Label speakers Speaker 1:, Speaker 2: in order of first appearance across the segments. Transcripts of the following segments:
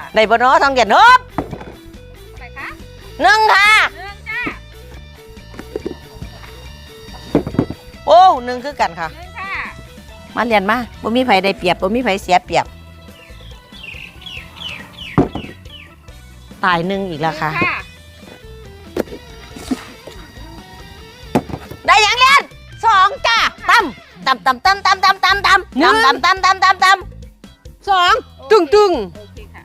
Speaker 1: ได้บ่เนาะทองเดียนฮบ
Speaker 2: อะไรคะ
Speaker 1: 1ค่ะ
Speaker 2: 1จ้า
Speaker 1: โอ้1คือกันค่ะ
Speaker 2: 1ค่ะ
Speaker 1: มาเรียนมาบ่มีไผได้เปรียบบ่มีไผเสียเปรียบตาย1อีกแล้วค่ะ ได้ยังเรียน2จ้าตั้มตั้มตั้มตั้มตั้มตั้มตั้มตั้มตั้มตั้มตั้มตั้มตั้มตั้ม
Speaker 3: 2ตึงตึง
Speaker 2: โอเคค่ะ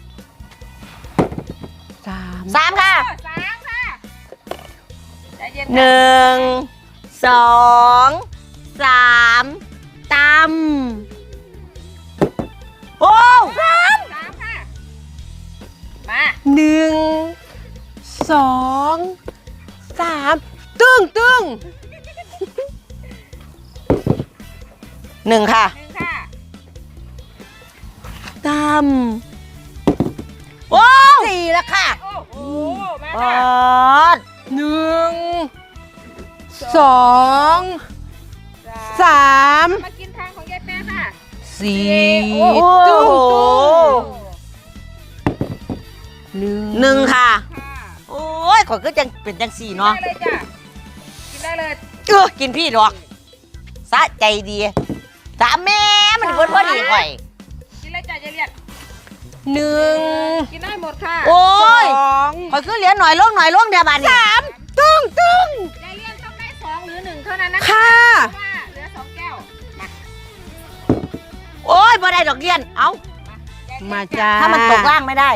Speaker 3: 3
Speaker 1: 3ค่ะ
Speaker 2: 3ค่ะใจเย็น
Speaker 1: 1 2 3ตั้มโอ้
Speaker 2: 3ค่ะมา
Speaker 3: 1 2 3ตึงตึง
Speaker 1: 1ค่ะ
Speaker 2: 1ค่ะ
Speaker 3: ตั้ม
Speaker 1: โอ้4แล้วค่ะ
Speaker 2: โอ้โหมา
Speaker 1: ป
Speaker 2: ค่ะ
Speaker 1: อด
Speaker 3: 1 2 3
Speaker 2: มากินทางของยายแป๊ะค่ะ
Speaker 3: 4
Speaker 1: โอ้
Speaker 3: ตึง
Speaker 1: โห
Speaker 3: ตึง
Speaker 1: 1ค่ะ
Speaker 2: ค่ะ
Speaker 1: โอ้ยขอยก็จังเป็นจัง4เนาะ
Speaker 2: ได้เลยจ้ะกินได้เลย
Speaker 1: กินพี่ดอกสะใจดีสามแม่มันเพิ่นพอดีข่อย
Speaker 2: กินเลยจ้ะยายเลียด
Speaker 3: 1
Speaker 2: กินได้หมดค่ะ
Speaker 1: โอ้ย
Speaker 3: 2
Speaker 1: ข่อยคือเหลือหน่อยลงเดี๋ยวบัดนี้
Speaker 3: 3ตึงตึง
Speaker 2: ยายเลียดต้องได้2หรือ1เท่านั้นนะคะ
Speaker 3: ค่ะ
Speaker 2: เพราะว่าเหลือ2แก้วมา
Speaker 1: โอ้ยบ่ได้ดอกเรียนเอ้า
Speaker 3: มาจ้า
Speaker 1: ถ้ามันตกล่างไม่ได้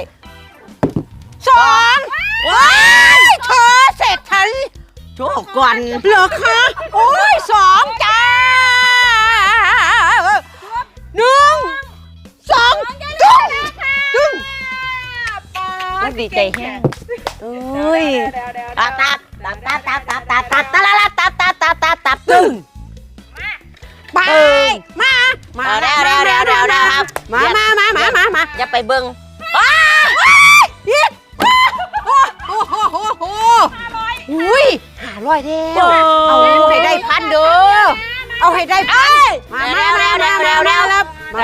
Speaker 3: 2 ว้ายเธอเสร็จทัน
Speaker 1: โชคก่อน
Speaker 3: เหรอคะโอ้ย2จ้า1 2ตึงตึง
Speaker 1: มันดีใจแห้ง
Speaker 3: โอ้ย
Speaker 1: ตับตับตับตับตับตับตับตับตับตับตับตับตับตับตึ้ง
Speaker 3: ไปมามา
Speaker 1: เร็วเร็วเร็วเร็วเร็วครับ
Speaker 3: มา
Speaker 1: อย่าไปเบิ่ง
Speaker 3: โอ้โหอุ้ย500เดียว
Speaker 1: เอา
Speaker 3: เอาให้ได้พันเด้อเอาให้ได้พันมาเร็วพันมาแล้วมา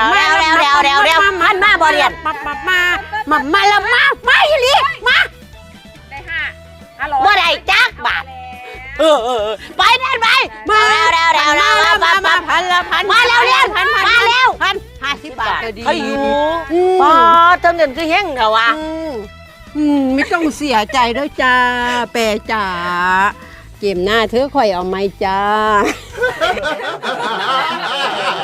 Speaker 3: อยู่ลิมา
Speaker 2: ได้500
Speaker 1: บ่ได้จักบาทไปเดินไปมาเร็วมาพันละพันมาเร็วเรียนมาเร็ว
Speaker 3: 50 บาทก็ดี
Speaker 1: เขาอยู่อ๋อทำเงินคือเฮงเหรอวะ
Speaker 3: ไม่ต้องเสียใจด้วยจ้าแปรจ๋าเกมหน้าเธอคอยเอาไหมจ้า